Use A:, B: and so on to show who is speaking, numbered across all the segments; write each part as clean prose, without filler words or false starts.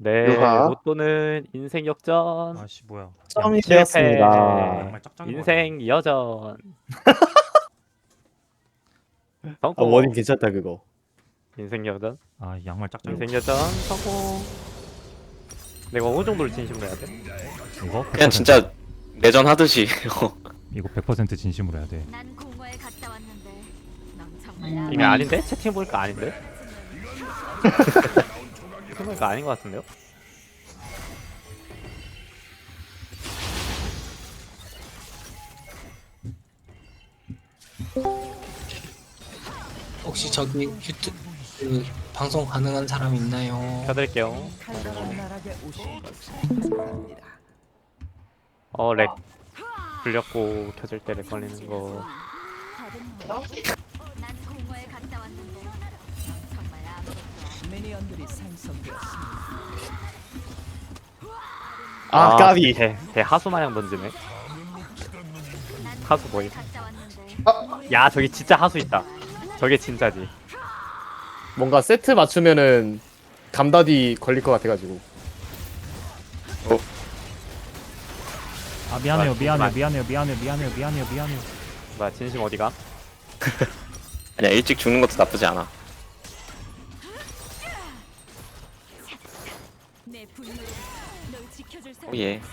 A: 네,
B: 유하.
A: 로또는 인생 역전,
C: 아씨 뭐야.
B: 점이
A: 실패,
B: 되었습니다.
C: 양말 짝짝이
A: 인생 여전,
B: 아, 워딩
A: 성공,
B: 괜찮다 그거.
A: 인생 여전,
C: 아 양말 짝짝이
A: 인생 여전, 성공. 내가 어느 정도를 진심으로 해야 돼?
C: 이거
D: 그냥
C: 100%,
D: 진짜 내전 하듯이
C: 이거 100% 진심으로 해야 돼.
E: 난 공허에 갔다 왔는데 넌 정말
A: 이미 아닌데? 채팅 보니까 아닌데? 채팅 보니까 아닌 것 같은데요?
F: 혹시 저기 유튜브 그 방송 가능한 사람 있나요?
A: 켜드릴게요. 렉 불렸고 켜질 때 렉 걸리는 거.
E: 난 공허에 갔다 왔는데 넌 정말 아무것도
B: 아, 까비.
A: 대 하수 마냥 던지네. 하수 뭐임?
E: 갔다 왔는데
A: 야, 저기 진짜 하수 있다. 저게 진짜지.
B: 뭔가 세트 맞추면은 감다디 걸릴 것 같아가지고.
C: 아 미안해요
A: 아,
C: 미안해요
A: 잠깐만.
C: 미안해요.
A: 뭐야, 진심 어디가?
D: 아니야 일찍 죽는 것도 나쁘지 않아.
E: 내 분노로 널 지켜줄 사람
D: 오예.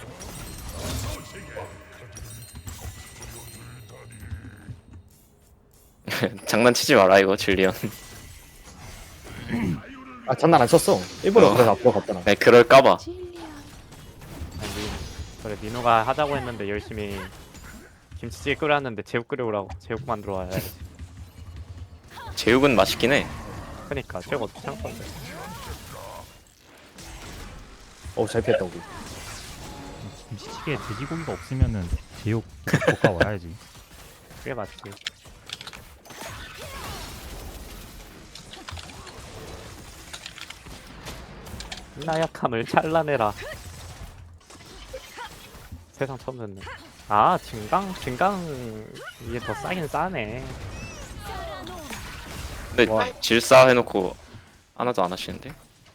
D: 장난치지 마라 이거 질리언.
B: 아, 장난 안 쳤어. 일부러
D: 어.
B: 그래서 앞으로 갔잖아.
D: 네, 그럴까봐.
A: 아니, 그래, 민호가 하자고 했는데 열심히 김치찌개 끓였는데 제육 끓여오라고. 제육 만들어 와야지.
D: 제육은 맛있긴 해.
A: 그니까 제육 어떻게 참을 건데.
B: 잘 피했다 우리.
C: 김치찌개에 돼지고기가 없으면은 제육 볶아 와야지.
A: 그게 맞지. 나약함을 잘라내라. 세상 처음 듣네. 아, 증강 이게 더 싸긴 싸네.
D: 근데
A: 뭐.
D: 질사 해놓고 하나도 안 하시는데?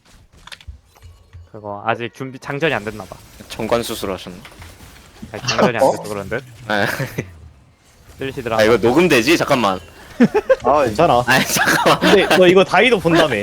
A: 그거 아직 준비 장전이 안 됐나 봐.
D: 정관 수술하셨나?
A: 아니, 장전이 안 돼서 그런 듯.
D: 아,
A: 들리시더라.
D: 아 이거 녹음되지? 잠깐만.
B: 아, 괜찮아.
D: 아 잠깐만.
B: 근데 너 이거 다이도 본다며.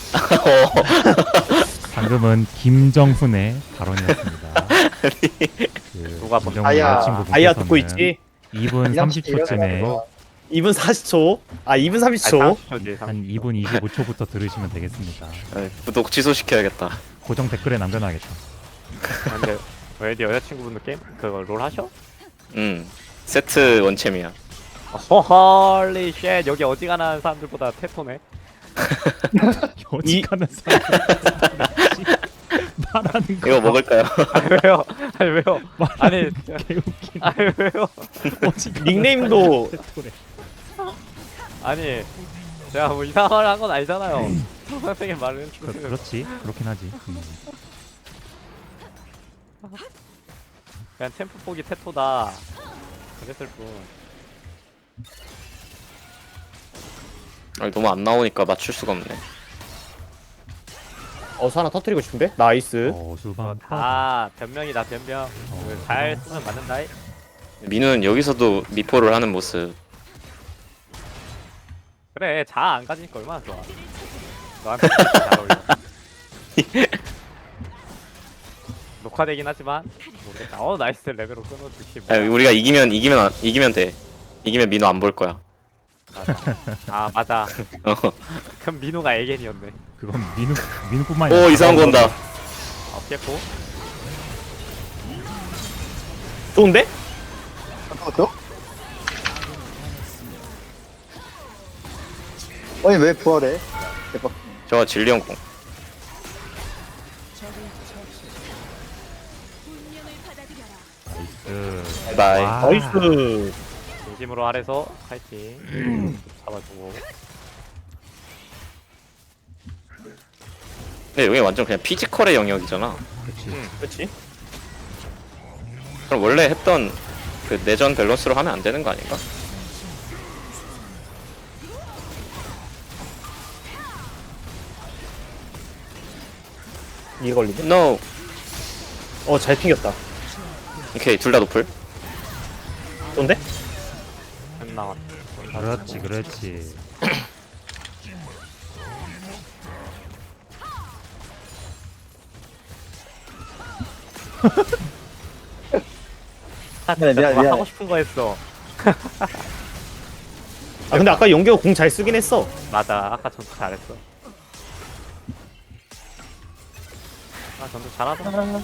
C: 방금은 김정훈의 발언이었습니다. 그
A: 누가 본-
C: 김정훈
B: 아야,
C: 여자친구분께서는
B: 아야 듣고 있지?
C: 2분 30초쯤에
B: 2분 40초. 아, 2분
A: 아니,
B: 30초.
A: 30초지.
C: 한 2분 25초부터 들으시면 되겠습니다.
D: 아, 구독 취소시켜야겠다.
C: 고정 댓글에 남겨놔야겠다.
A: 근데 왜 네 여자친구분도 게임 그거 롤 하셔?
D: 세트 원챔이야.
A: 헐리 쉣, 여기 어지간한 사람들보다 테토네.
C: 어지간한 사람 말하는 거
D: 이거 먹을까요?
A: 아니 왜요? 아니 왜요? 아니
C: 개웃긴.
A: 아니 왜요?
C: 어지간한
B: 닉네임도
C: 사람.
A: 아니 제가 뭐 이상한 말 한 건 아니잖아요. 선생님 말은
C: 그렇지 그렇긴 하지.
A: 그냥 챔프 포기 테토다. 그랬을 뿐.
D: 아니, 너무 안 나오니까 맞출 수가 없네.
B: 하나 터뜨리고 싶은데? 나이스.
C: 수방
A: 아 변명이다 변명. 잘 쓰면 맞는다.
D: 민우는 여기서도 미포를 하는 모습.
A: 그래 자 안 가지니까 얼마나 좋아. 너한테 진짜 잘 어울려. 녹화되긴 하지만 모르겠다. 나이스 레벨로 끊어주시.
D: 아니, 우리가 이기면 돼. 이기면 민우 안 볼 거야.
A: 맞아. 아 맞아.
D: 어.
A: 그럼 민호가 에겐이었네.
C: 그건 민우뿐만이
D: 오 이상한 거 온다.
A: 없겠고.
B: 좋은데?
G: 잠깐만요. 아니 왜 부활해? 대박.
D: 저거 질리언 공.
E: 운명을 받아들여라
C: 나이스.
D: 바이.
C: 와.
B: 나이스.
A: 진심으로 아래서 파이팅. 잡아주고.
D: 근데 여기 완전 그냥 피지컬의 영역이잖아.
B: 그렇지?
D: 그럼 원래 했던 그 내전 밸런스로 하면 안 되는 거 아닌가?
B: 이게 걸리네.
D: NO.
B: 잘 튕겼다.
D: 오케이, 둘 다 노플.
B: 좋은데?
A: 안 나왔.
C: 그렇지 그렇지.
A: 아,
G: 미안해,
A: 진짜 누가
G: 미안해.
A: 하고 싶은 거 했어.
B: 근데 아까 연계가 공 잘 쓰긴 했어.
A: 맞아, 아까 전투 잘했어. 아, 전투 잘하더라.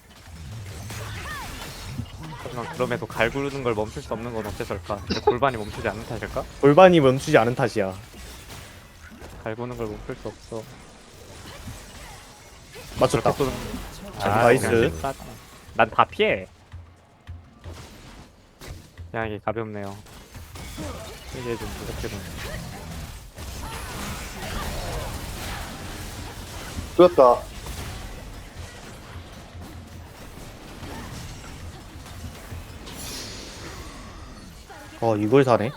A: 하지만 그럼에도 갈구르는 걸 멈출 수 없는 건 어째서일까? 내 골반이 멈추지 않는 탓일까?
B: 골반이 멈추지 않은 탓이야.
A: 갈구는 걸 멈출 수 없어.
B: 맞췄다.
A: 쏘는
B: 나이스.
A: 난 다 피해. 그냥 이게 가볍네요. 이게 좀 무섭게 좀.
G: 죽였다.
B: 이걸 사네.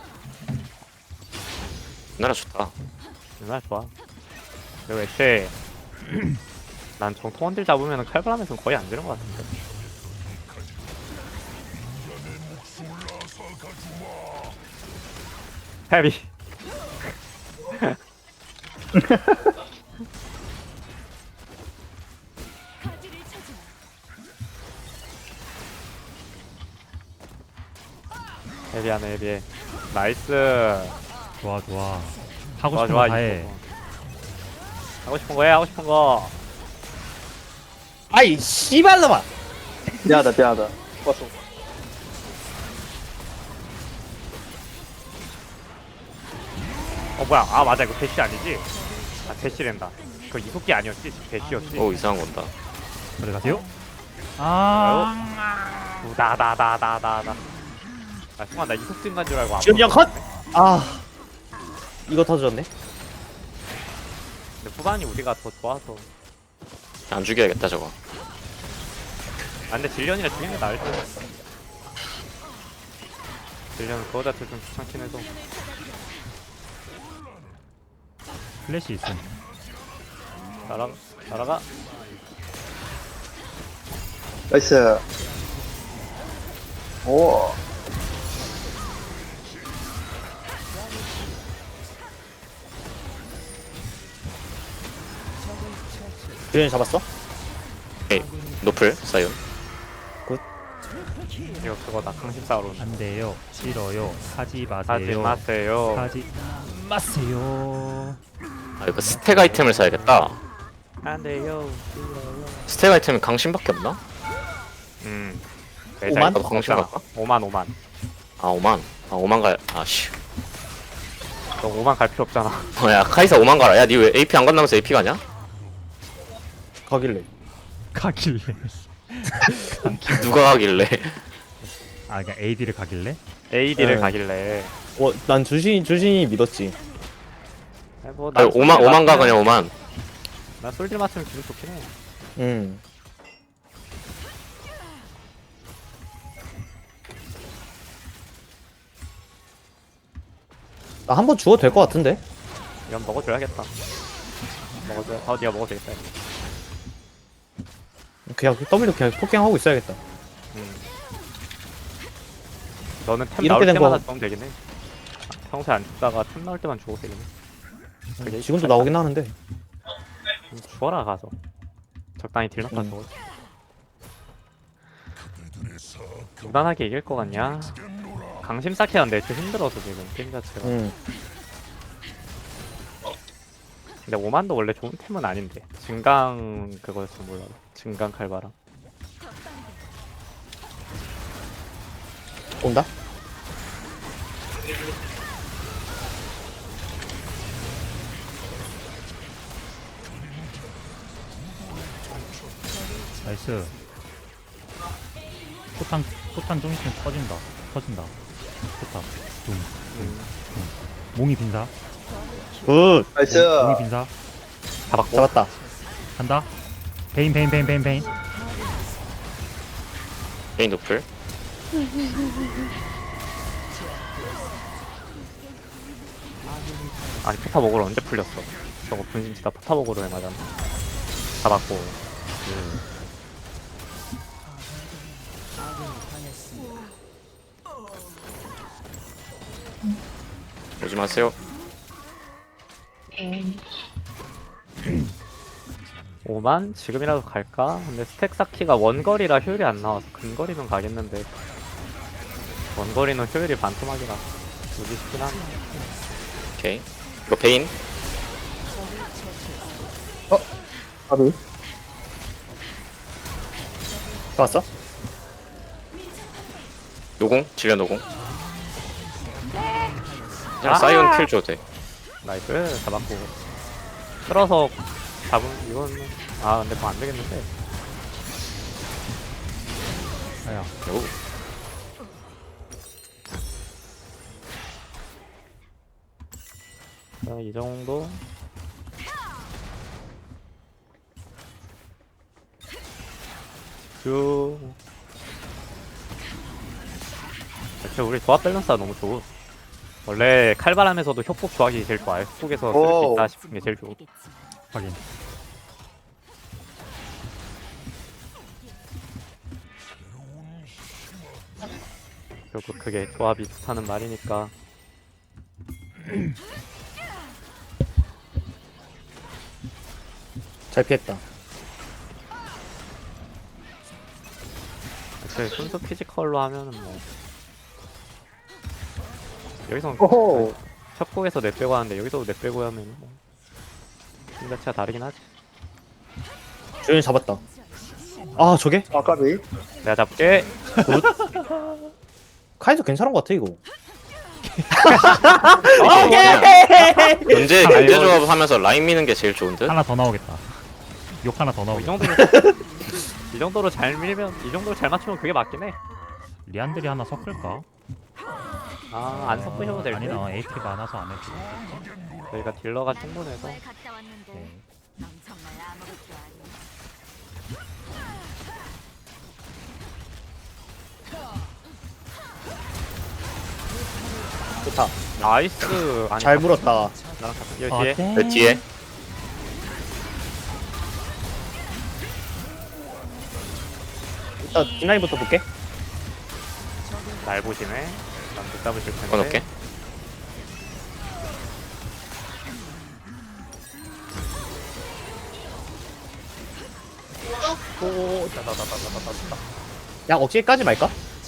D: 나라 좋다.
A: 얼마나 좋아. 그리고 애초에 난 정통원딜 잡으면 칼바람에서는 거의 안 되는 것 같은데. 헤비.
E: 가지를 찾아.
A: 헤비하네 헤비해. 나이스.
C: 좋아 좋아. 하고
A: 좋아
C: 싶은
A: 좋아.
C: 거 다해.
A: 이거. 하고 싶은 거 해. 하고 싶은 거.
B: 아이 씨발놈아.
G: 미안하다, 미안하다. 왔어.
A: 뭐야? 아 맞아 이거 대시 아니지? 아 대시랜다. 그거 이속기 아니었지? 대시였지?
D: 오, 이상한 건다.
C: 들어가세요. 아.
A: 나나나나나나. 아 순간 나 이속진 간 줄 알고 안
B: 지금 형
A: 봤어.
B: 컷. 이거 터졌네.
A: 근데 후반이 우리가 더 좋아서.
D: 안 죽여야겠다, 저거.
A: 아 근데 질련이가 죽이는 게 나을 듯. 질련은 그거 자체 좀 귀찮긴 해서.
C: 플래시 있음.
A: 날아가.
G: 나이스. 오.
B: 주연이 잡았어?
D: 오케이, 노플, 사이온.
A: 이거 그거다 강심싸우러
C: 안 돼요. 싫어요. 하지 마세요.
A: 하지 마세요.
C: 하지 마세요.
D: 아, 이거 스택 아이템을 사야겠다.
A: 안 돼요.
D: 스택 아이템이 강신밖에 없나?
B: 오만?
D: 나도 강신 갈까?
A: 5만.
D: 아, 5만. 아, 5만 갈. 아, 씨.
A: 너 5만 갈 필요 없잖아.
D: 야, 카이사 5만 가라. 야, 니 왜 AP 안 간다면서 AP 가냐?
B: 가길래.
C: 가길래.
D: 누가 가길래?
C: 아 그러니까 AD를 가길래?
A: AD를
B: 네.
A: 가길래.
B: 난 주신이 믿었지.
A: 아니, 뭐,
D: 아니, 5만 가, 그냥 5만.
A: 나 솔질 맞으면 기분 좋긴 해.
B: 나 한 번 죽어도 될 것 같은데.
A: 이건 먹어줘야겠다. 먹어줘야. 네가 먹어도 되겠다.
B: 그냥 W 그냥 폭행하고 있어야겠다.
A: 너는 템
B: 이렇게
A: 나올
B: 된
A: 때마다
B: 거-
A: 죽으면 되긴 해. 평소에 안 죽다가 템 나올 때만 죽어도 되긴 해. 그게
B: 지금도 나오긴 하는데.
A: 죽어라 가서. 적당히 딜 넣고 죽어. 무난하게 이길 거 같냐? 강심 쌓기 하는데 좀 힘들어서 지금 게임 자체가. 근데 5만도 원래 좋은 템은 아닌데. 증강 그거였어 몰라. 증강 칼바람.
B: 온다?
C: 나이스. 포탄 좀 있으면 터진다. 터진다. 포탑. 둠. 몽이 빈사.
B: 굿.
G: 나이스.
C: 몽이 빈사.
A: 잡았고.
B: 잡았다.
C: 간다. 베인.
D: 메인 노플.
A: 아니 포탑 먹으러 언제 풀렸어? 저거 분신치다 포탑 먹으러 해 맞아. 잡았고.
D: 오지 마세요.
A: 5만? 지금이라도 갈까? 근데 스택 쌓기가 원거리라 효율이 안 나와서 근거리는 가겠는데 원거리는 효율이 반토막이라 오기 쉽긴 하네.
D: 오케이. 이거 베인.
G: 아니.
B: 좋았어?
D: 노공. 질려 노공. 그냥 사이온 킬 줘도 돼.
A: 나이스 잡았고 끌어서 잡은 이건 근데 뭐 안 되겠는데.
C: 아야.
D: 오.
A: 자, 이 정도. 쭉. 대체 우리 조합 밸런스가 너무 좋아. 원래 칼바람에서도 협곡 조합이 제일 좋아요. 협곡에서 쓸 수
G: 오.
A: 있다 싶은 게 제일 좋고.
C: 확인.
A: 결국 그게 조합이 좋다는 말이니까.
B: 잘 피했다.
A: 그 순수 피지컬로 하면은 뭐 여기서
G: 오호.
A: 협곡에서 넷 빼고 하는데 여기서도 넷 빼고 하면 뭐 팀 자체가 다르긴 하지.
B: 조연이 잡았다. 아 저게?
G: 아, 까비.
A: 내가 잡게.
B: 카이도 괜찮은 것 같아 이거.
D: 견제 조합 하면서 라인 미는 게 제일 좋은 듯.
C: 하나 더 나오겠다. 욕 하나 더
A: 이
C: 나오겠다.
A: 정도로 이 정도로 잘 밀면 이 정도로 잘 맞추면 그게 맞긴 해.
C: 리안들이 하나 섞을까?
A: 안 섞으셔도 될 듯.
C: 아니다. AT 많아서 안 해도.
A: 저희가 딜러가 충분해서.
E: 공허에 갔다 왔는데 넌 정말 아무것도 아니야.
B: 좋다.
A: 나이스. 아니,
B: 잘 물었다.
A: 나랑 같이 여기 뒤에.
C: 어때?
D: 그 뒤에.
B: 일단 뒷라인부터 볼게.
A: 날 보시네. 난못 잡으실 텐데.
D: 꺼놓게.
B: 야 억지에 까지 말까?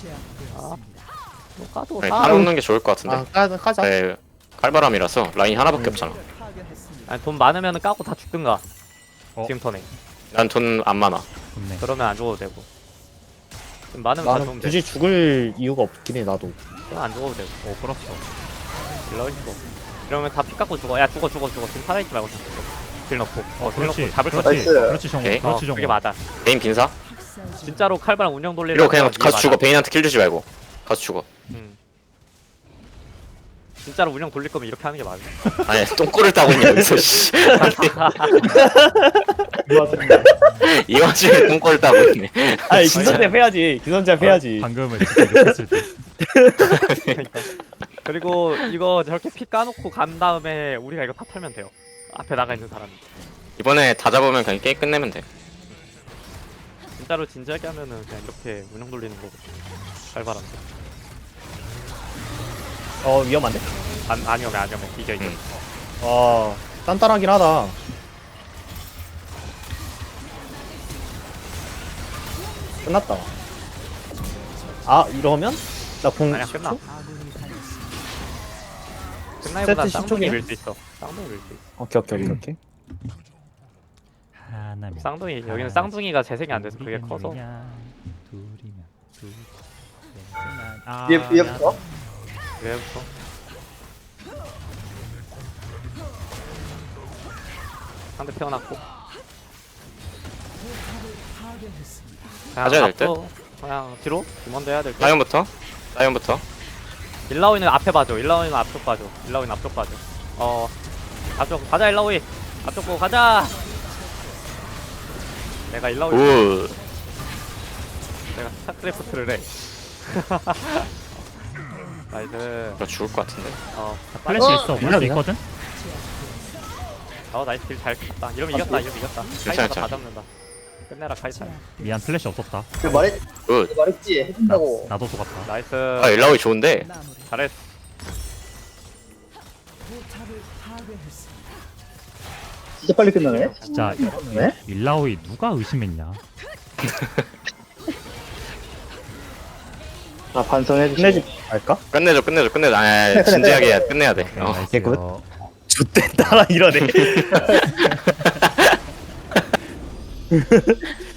A: 또 까도
D: 아니,
A: 사.
D: 따놓는 게 좋을 것 같은데.
B: 까자.
D: 네, 칼바람이라서 라인 하나밖에 없잖아.
A: 아니, 돈 많으면 까고 다 죽든가. 지금 턴에.
D: 난 돈 안 많아.
C: 좋네.
A: 그러면 안 죽어도 되고. 돈 많으면 다
B: 나는
A: 죽으면 돼.
B: 굳이 죽을 이유가 없긴 해 나도.
A: 그럼 안 죽어도 되고.
C: 끌었어.
A: 딜러 있어. 이러면 다 피 깎고 죽어. 야 죽어. 지금 살아있지 말고 다 죽어. 딜 넣고. 딜 넣고 잡을 수
C: 그렇지.
A: 있어.
G: 나이스.
C: 그렇지 정우.
D: 오케이.
C: 그렇지
A: 그게
C: 정우.
A: 맞아.
D: 베인 빈사.
A: 진짜로 칼바람 운영 돌리는
D: 이러고 그냥
A: 게
D: 가서
A: 맞아.
D: 죽어. 베인한테 킬 주지 말고. 가서 죽어.
A: 진짜로 운영 돌릴 거면 이렇게 하는 게 맞아.
D: 아니 똥꼬를 따고 있냐 여기서 씨. 이 와중에 똥꼬를 따고 있네.
B: 아니 기선제압 해야지. 기선제압 해야지.
C: 방금은 이렇게 욕했을 때.
A: 그러니까. 그리고 이거 저렇게 피 까놓고 간 다음에 우리가 이거 다 털면 돼요. 앞에 나가 있는 사람이.
D: 이번에 다 잡으면 그냥 게임 끝내면 돼.
A: 진짜로 진지하게 하면은 그냥 이렇게 운영 돌리는 거고. 칼바람.
B: 위험한데?
A: 안 위험해. 이겨.
B: 단단하긴 하다. 끝났다. 이러면 나공
A: 아니야 끝나. 끝나기보다
B: 세트
A: 쌍둥이
B: 10초기야?
A: 밀 수 있어. 쌍둥이 밀 수 있어.
B: 오케이.
C: 하나면.
A: 쌍둥이 여기는 쌍둥이가 재생이 안 돼서 그게 커서.
C: 둘이면 둘.
G: 위에부터?
A: 그래부터. 상대 태어났고.
D: 가져야 될 듯?
A: 그냥 뒤로 먼저 해야 될 듯.
D: 사이온부터.
A: 일라오이는 앞에 봐줘. 일라오이는 앞쪽 봐줘. 앞쪽 가자 일라오이. 앞쪽 보고 가자. 내가 일라오이.
D: 우.
A: 내가 스타크래프트를 해. 나이스.
D: 나 죽을 것 같은데.
C: 플래시 있어.
B: 그냥,
C: 플래시 있거든.
A: 나이스 딜 잘 쳤다. 이러면 이겼다.
D: 괜찮아.
A: 카이사가 다 잡는다. 끝내라 카이사.
C: 미안 플래시 없었다.
D: 굿.
G: 말했지
C: 나,
G: 해준다고.
C: 나도 속았다.
A: 나이스.
D: 아 일라오이 좋은데.
A: 잘했어.
G: 진짜 빨리 끝나네.
C: 진짜
G: 네?
C: 일라오이 누가 의심했냐?
B: 나 반성해 끝내지 말까?
D: 끝내줘. 아 진지하게 해야 끝내야 돼. 어.
C: 나이스.
B: 개굿. 좋댔다 이러네.